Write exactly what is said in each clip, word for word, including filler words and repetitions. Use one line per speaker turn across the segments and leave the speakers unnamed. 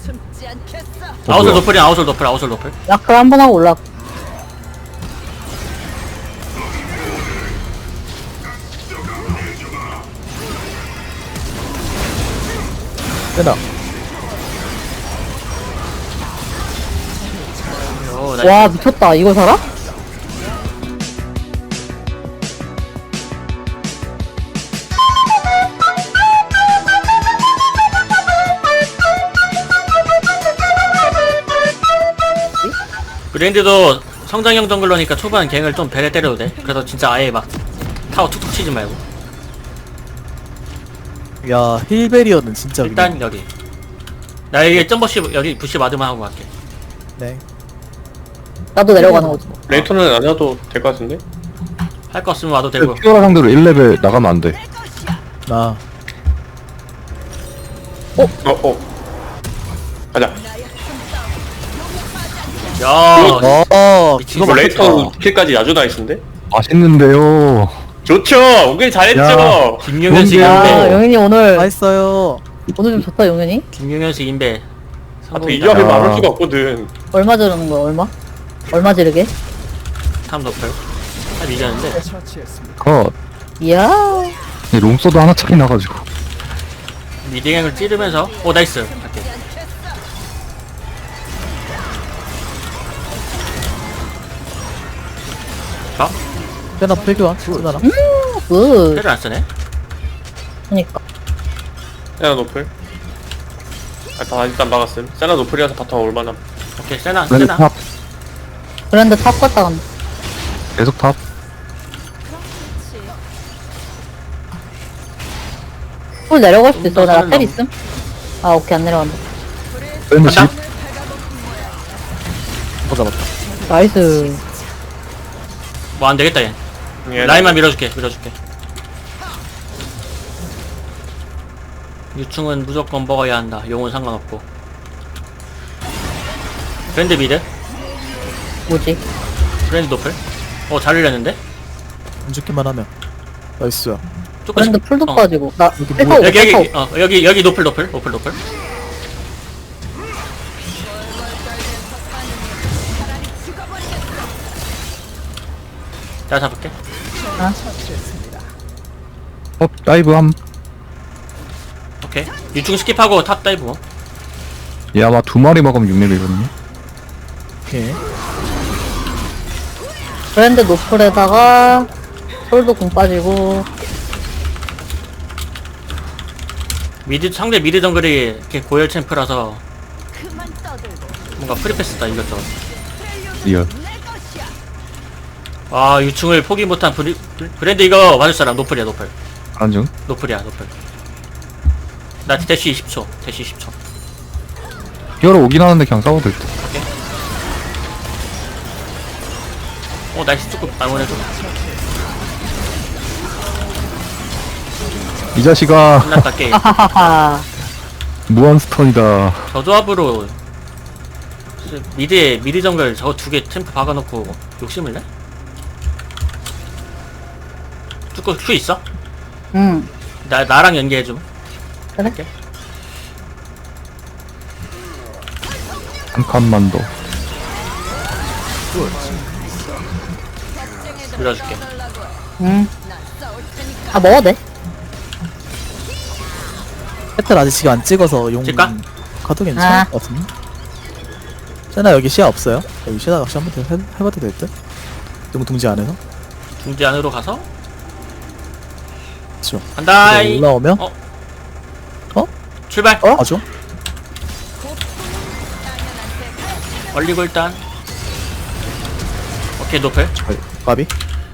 아웃솔 노플이 아웃솔 노플 아웃솔 노플.
야크 한 번 하고 올라.
세나.
오, 나이스.
와 미쳤다. 이걸 살아?
브랜드도 성장형 정글러니까 초반 갱을 좀 배를 때려도 돼. 그래서 진짜 아예 막 타워 툭툭 치지 말고.
야 힐베리어는 진짜.
일단 여기. 나 여기 점버시 여기 부시 마드만 하고 갈게.
네.
나도 내려가는 거지.
레이터는 안 해도 될 것 같은데?
할 거 없으면 와도 되고.
피오라 상대로 일 레벨 나가면 안 돼.
나.
어, 어. 가자.
야,
어.
미친.
이거
그거
레이터
맞겠다.
킬까지 아주 나이스인데?
맛있는데요.
좋죠! 은근히 잘했죠!
야.
김용현 씨
뭔데요?
야
인베.
영현이 오늘
맛있어요.
오늘 좀 좋다 영현이.
김용현 씨 인베.
앞에 이
성공이다.
조합이
야.
막을 수가 없거든.
얼마 지르는 거야 얼마? 얼마 지르게?
탐 노플. 아 이겼는데.
컷.
이야.
이 롱서도 하나 차이 나가지고.
미딩행을 찌르면서. 오 나이스. 갈게. 자,
세나 필교환. 세나랑.
굿.
패를 안 쓰네.
그니까.
세나 노플. 아, 다 일단 막았음. 세나 노플이라서 바텀 올만함.
오케이 세나
브랜드
세나.
탑.
브랜드 탑 갔다 간다.
계속 탑.
풀 내려갈 수도 있어. 나
나는
텔
너무-
있음. 아 오케이 안 내려간다.
브랜드 집.
간다.
어 잡았다.
나이스.
뭐 안 되겠다 얘.
예,
라인만 밀어줄게 밀어줄게. 유충은 무조건 먹어야 한다. 용은 상관없고. 브랜드 미드.
뭐지?
브랜드 노플. 어 잘 흘렸는데.
안 죽기만 하면. 나이스야.
조금씩.
브랜드 풀도
어.
빠지고. 나
여기
텔
뭐야?
타고
여기
텔 타고.
여기 어 여기 여기 노플 노플 노플 노플. 내가 잡을게.
어, 다이브 함.
오케이. 유충 스킵하고 탑 다이브. 뭐.
얘 아마 두 마리 먹으면 육 레벨이거든요.
오케이.
브랜드 노플에다가 솔도 공 빠지고.
미드 상대 미드 정글이 이렇게 고열 챔프라서 뭔가 프리패스다 이것저것.
리얼.
아 유충을 포기 못한 브리, 브랜드 이거 맞을 사람 노플이야 노플.
안중.
노플이야 노플. 나 대시 이십 초 대시 이십 초.
피오라 오긴 하는데 그냥 싸워도 될 듯.
어 나이스 조금 알원해줘.
이 자식아.
끝났다 게임.
하하하.
무한 스턴이다.
저 조합으로 미드에 미드 정글 저거 두 개 템프 박아놓고 욕심을 내? 쭈꾸 큐 있어?
응.
나 나랑 연계해줌.
그래?
할게.
한 칸만 더.
밀어줄게.
응. 아 먹어도 돼.
혜텔 아직 지금 안 찍어서 용.
찍까?
가도 괜찮을
아.
것 같은데. 세나 여기 시야 없어요? 여기 시야 낚시 한번 더 해, 해봐도 될 듯? 용 둥지 안에서?
중지 안으로 가서
그쵸.
간다.
이거 올라오면?
어?
어?
출발.
어?
아죠?
얼리고 일단. 오케이 노플.
저희 까비?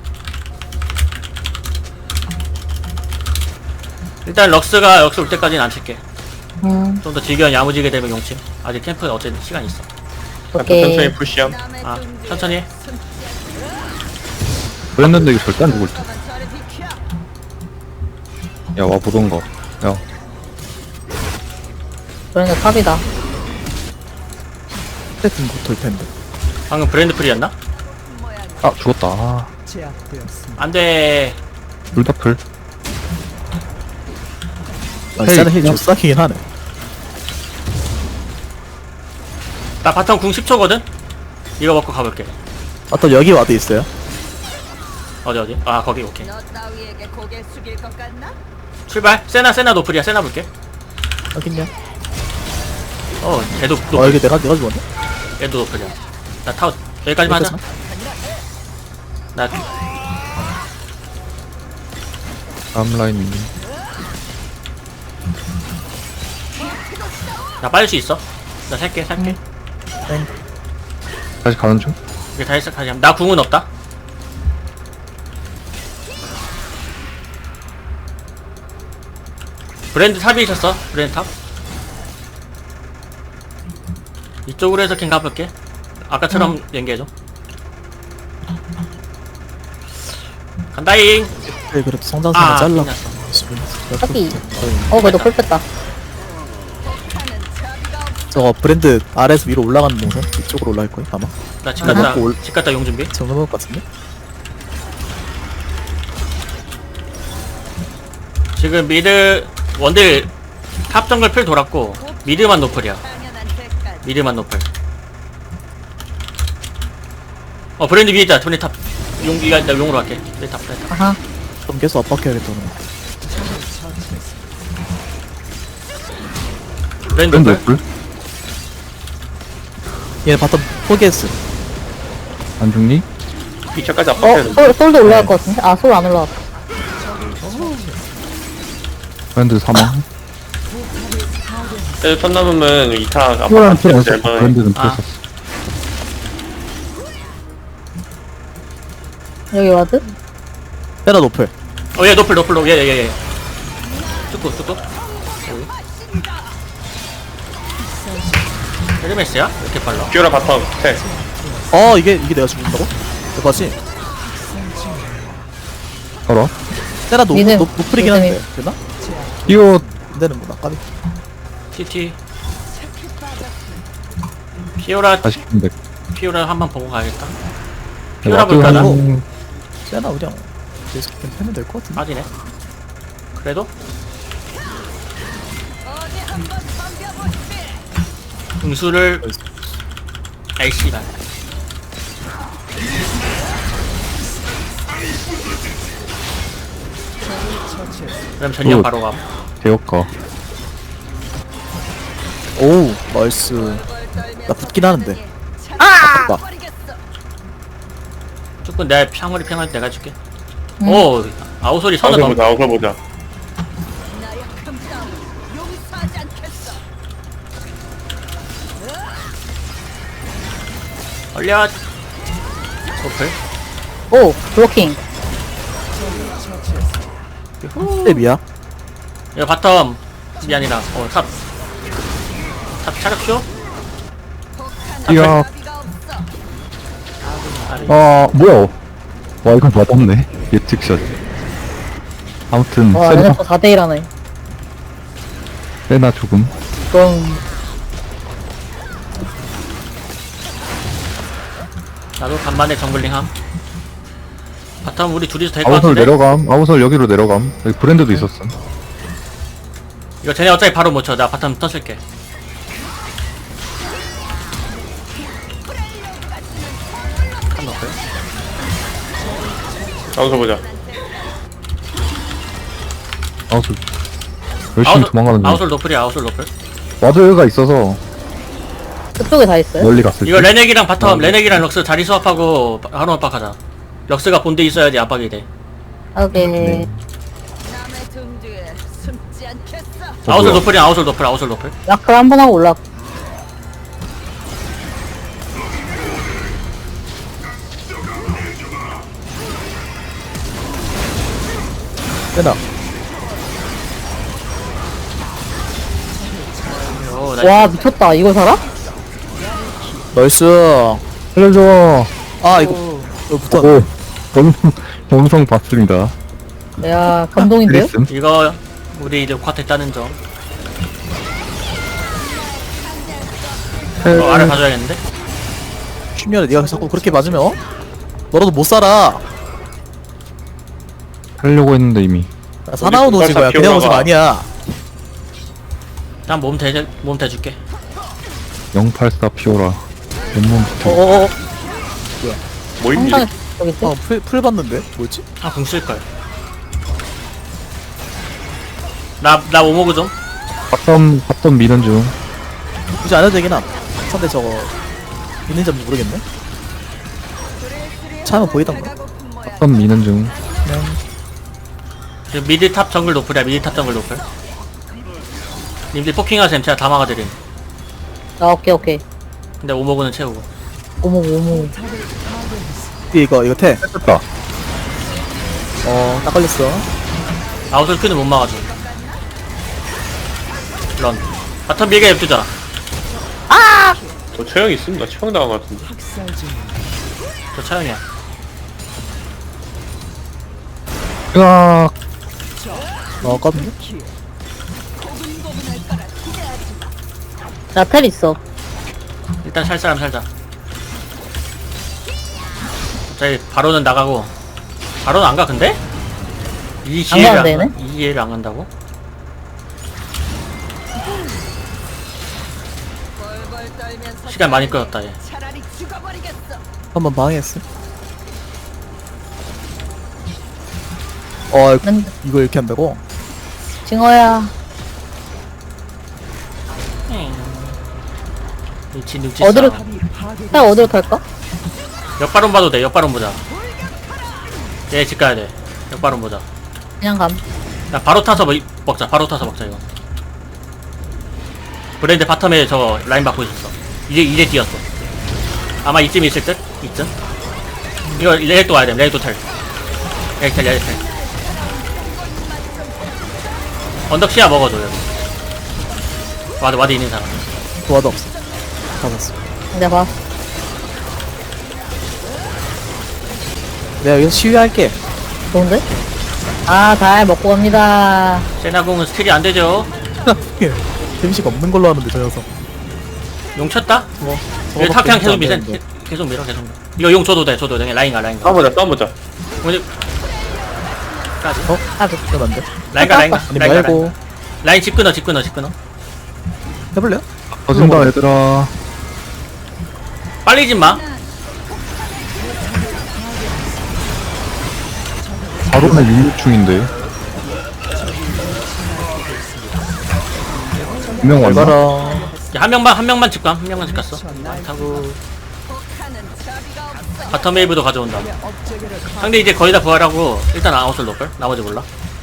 일단 럭스가 럭스 올 때까지는 안 칠게.
응.
좀 더 즐겨 야무지게 되면 용침. 아직 캠프에 어쨌든 시간 있어.
오케이.
천천히 푸시함.
아 천천히 해.
그랬는데 이거 절대 안 죽을 듯. 야, 와 보던가. 야,
브랜드 탑이다.
혜텔 곧돌 텐데.
방금 브랜드 프리였나?
아 죽었다. 아,
안돼.
둘다 풀.
아,
헤이,
세나 힐
그냥-
좀 싹이긴 하네.
나 바텀 궁 십 초거든? 이거 먹고 가볼게.
어떤 여기 와도 있어요.
어디 어디? 아 거기 오케이.
너 따위에게 고개 숙일 것 같나?
출발. 세나 세나 노플이야. 세나 볼게.
여긴요.
어 얘도
어
노플.
여기 내가 내가 죽었네.
얘도 노플이야. 나 타워 여기까지만 하자. 나
다음 라인.
나 빨릴 수 있어. 나 살게 살게.
땡.
다시 가는 중?
이게 다 했어. 다시 나 궁은 없다. 브랜드 탑이 있었어. 브랜드 탑. 이쪽으로 해서 캔 가볼게. 아까처럼 연계해줘. 간다잉.
네, 그래도 성장선을
아
잘라.
끝났어.
여기. 어, 그래도 풀 뺐다.
저거 브랜드 아래에서 위로 올라가는 동선 이쪽으로 올라갈 거예요 아마.
나집 갔다
먹고 올-
집 갔다 용 준비.
지금 넘어올 것 같은데.
지금 미드 원딜 탑 정글 풀 돌았고 미드만 노플이야.
당연한 대가.
미드만 노플. 어 브랜드 위에 있다. 브랜드 탑. 용 이가 나 용으로 갈게. 브랜드 탑 브랜드 탑.
아하.
그럼 계속 압박해야겠다. 오늘.
브랜드
밴드
노플.
풀?
얘 바텀 포기했어.
안 죽니?
이 차까지
어,
압박해야 돼.
솔, 솔도 올라갈 것 같은데? 아, 솔 안 올라갔다.
밴드 사망.
쟤 턴 남으면 이 타
이거랑
압박해야
필요
돼.
없어. 밴드는
아.
필요 없었어.
여기 와드?
때라 노플.
어얘 노플 노플 얘얘얘 얘. 쭈꾸 쭈꾸. 헤르메스야? 왜 이렇게 빨라?
피오라 바텀 텔.
어 이게 이게 내가 죽는다고? 대박이.
알아?
때라 노
니는-
노 노플이긴
니는-
한데 되나?
이거
안 되는구나. 까비.
티티. 피오라
다시 근데
피오라 한번 보고 가야겠다. 피오라
와드
볼까나?
한
때나 그냥 계속 그냥 패면 될 것 같은데.
빠지네. 그래도
어디 한번 덤벼보시지.
응수를 아이씨발. 그럼 전력
굿.
바로 가.
대역가.
오우 나이스. 나 붙긴 하는데.
아!
나.
버리겠어.
조금 내 평물이 평할 때 내가 줄게.
음.
오 아우솔이 선을
아웃을
넘.
보자. 아웃을 보자.
나의 금 싸움 용서하지 않겠어.
얼려. 오플.
오, 블로킹.
랩이야.
이거 바텀 이 아니라 어 탑. 탑 차력쇼?
이야.
나비가 없어.
아 뭐야? 와 이건 맞았네. 예측샷. 아무튼
와,
세나
얘네 또 사 대 일 하네.
세나 조금.
그럼,
나도 간만에 정글링함. 바텀 우리 둘이서 될 것
아우솔
같은데?
내려감. 아우솔 여기로 내려감. 여기 브랜드도 있었음.
이거 쟤네 어차피 바로 못 쳐. 나 바텀 터질게. 한 넣을까요?
아웃을 보자.
아우솔 열심히 도망가는 중.
아웃솔 노플이야 아웃솔 노플.
와드가 있어서
그쪽에 다 있어요?
멀리 갔을
이거
때.
레넥이랑 바텀 레넥이랑 럭스 자리 수합하고 하루 압박하자. 럭스가 본대 있어야지 압박이 돼.
오케이.
남의 등 뒤에 숨지 않겠어.
어,
아웃솔
뭐야?
노플이야 아웃솔 노플 아웃솔 노플.
라클 한 번 하고 올라.
때나.
오, 나
와, 미쳤다. 이걸 살아?
나이스.
살려줘.
아 이거 이거 붙어.
오. 검성 검성 봤습니다.
야, 감동인데요?
그랬음.
이거 우리 이제 쿼트 따는 점. 어, 아래 봐줘야겠는데?
춘열아 네가 자꾸 그렇게 맞으면 어? 너라도 못 살아.
하려고 했는데 이미.
나 사나운 오징어야. 그냥 오징어 아니야.
난 몸 대, 몸 대줄게.
영팔사 피오라. 온몸 붙어.
어어어.
뭐 있니?
항상 여기 있대.
아, 풀, 풀 봤는데? 뭐였지?
아, 궁 쓸걸. 나, 나 오모그 좀.
바텀, 바텀 미는 중.
굳이 안 해도 되긴 함. 상대 저거 있는 점 모르겠네. 차면 보이던가.
배고픈 모양.
바텀 미는 중.
그냥
지금 미드 탑 정글 노플이야, 미드 탑 정글 노플. 님들 포킹하셈, 제가 다 막아드림.
아, 오케이, 오케이.
근데 오모그는 채우고.
오모, 오모.
이거 이거 태.
됐다.
어, 딱 걸렸어.
아웃을 큐는 못 막아줘. 런. 바텀 밀게 냅두자.
저 처형 있음? 나 처형 당한 것 같은데.
저 차영이야.
으악.
어, 껐는데?
나 텔 있어.
일단 살 사람 살자. 저희 바로는 나가고. 바로는 안 가, 근데? 이 기회를
가면
안,
되네?
가- 이 기회를 안 간다고?
벌벌 떨면서
시간 많이 끌었다, 얘.
차라리 죽어버리겠어.
한번 방해했어. 어,
난
이거 이렇게 한다고?
징어야.
눈치 눈치
어디로,
싸움.
텔 어디로 탈까?
역바론 봐도 돼. 역바론 보자. 얘 집 가야 돼. 역바론 보자.
그냥 감.
야, 바로 타서 먹, 먹자. 바로 타서 먹자, 이거. 브랜드 바텀에 저 라인 받고 있었어. 이제 이제 뛰었어. 아마 이쯤 있을 듯? 이쯤? 이거 레이또 와야 돼. 레이또 텔. 레이텔 레이텔. 언덕 시야 먹어줘, 여기. 와드 와드 있는 사람.
도와도 없어. 잡았어.
내가 봐.
내가 여기서 시위할게.
좋은데? 아, 잘 먹고 갑니다.
세나공은 스틸이 안 되죠.
데미지가 없는 걸로 하는데 저 녀석.
용 쳤다?
뭐?
이거 탑 그냥 계속
안
밀어.
되는데.
계속 밀어, 계속 밀어. 이거 용 줘도 돼, 줘도 돼. 라인 가, 라인 가.
싸워보자, 싸워보자.
오늘 까지.
어?
아, 그,
그럼 안 돼.
라인 가, 라인 가.
아니
라인 가, 라인
말고
가. 라인 집 끊어, 집 끊어, 집 끊어.
해볼래요?
터진다, 얘들아.
빨리 집 마.
바로는 육육 중인데. 분명 왔나?
알바라.
야, 한 명만 한 명만 집 가. 한 명만 집 갔어. 타고
하는 자비가 없어.
바텀 웨이브도 가져온다. 상대 이제 거의 다 부활하고 일단 아웃을 놓을걸? 나머지 몰라.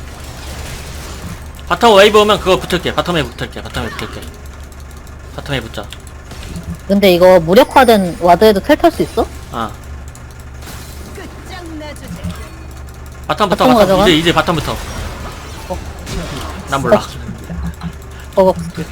바텀 웨이브 오면 그거 붙을게. 바텀에 붙을게. 바텀에 붙을게. 바텀에 붙자.
근데 이거 무력화된 와드에도 텔 탈 수 있어?
아.
끝장내주지.
바텀부터
바텀
바텀.
가져가?
이제 이제 바텀부터. 난 몰라.
어,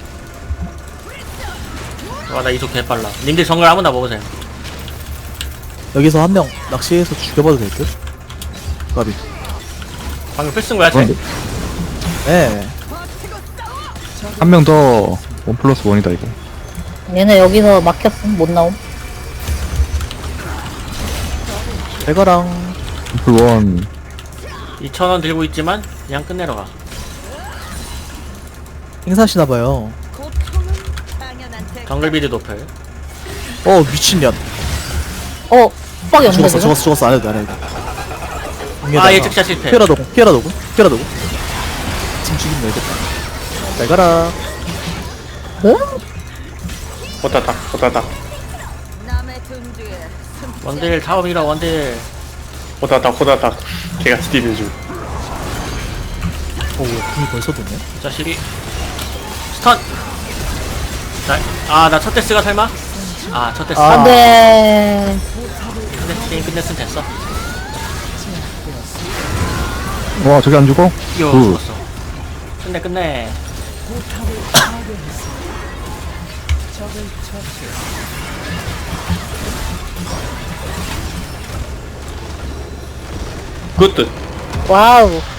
와, 나 이속 개빨라. 님들 정글 아무나 먹으세요.
여기서 한 명 낚시해서 죽여봐도 될 듯? 까비.
방금 필쓴 거야, 쟤?
그런데
네.
한 명 더 원 플러스 원이다 이거.
얘네 여기서 막혔음. 못 나옴.
대가랑
플 원.
이천 원 들고 있지만 그냥 끝내러 가.
행사시나봐요.
고통은 당연한 대.
정글 비드 노플.
어 미친년.
어, 빡이 없는데,
죽었어
지금?
죽었어 죽었어 안 해도 돼, 안 해도 돼.
아, 얘 즉샷 실패.
피어라 도구 피어라 도구 피어라 도구. 지금 죽이면 되겠다. 대가라.
그?
호타타, 호타타.
남의 등 뒤에 숨지
원딜 타워 밀어, 원딜.
호타타, 호타타. 개같이 뛰는 중.
오 궁이 벌써 도네.
자식이. 스턴! 나, 아, 나 첫 데스가 설마? 아, 첫 데스.
아.
안 돼.
근데 게임 끝냈으면 됐어.
와 저기 안 죽어?
이거
굿.
죽었어. 끝내, 끝내.
굿듯.
와우.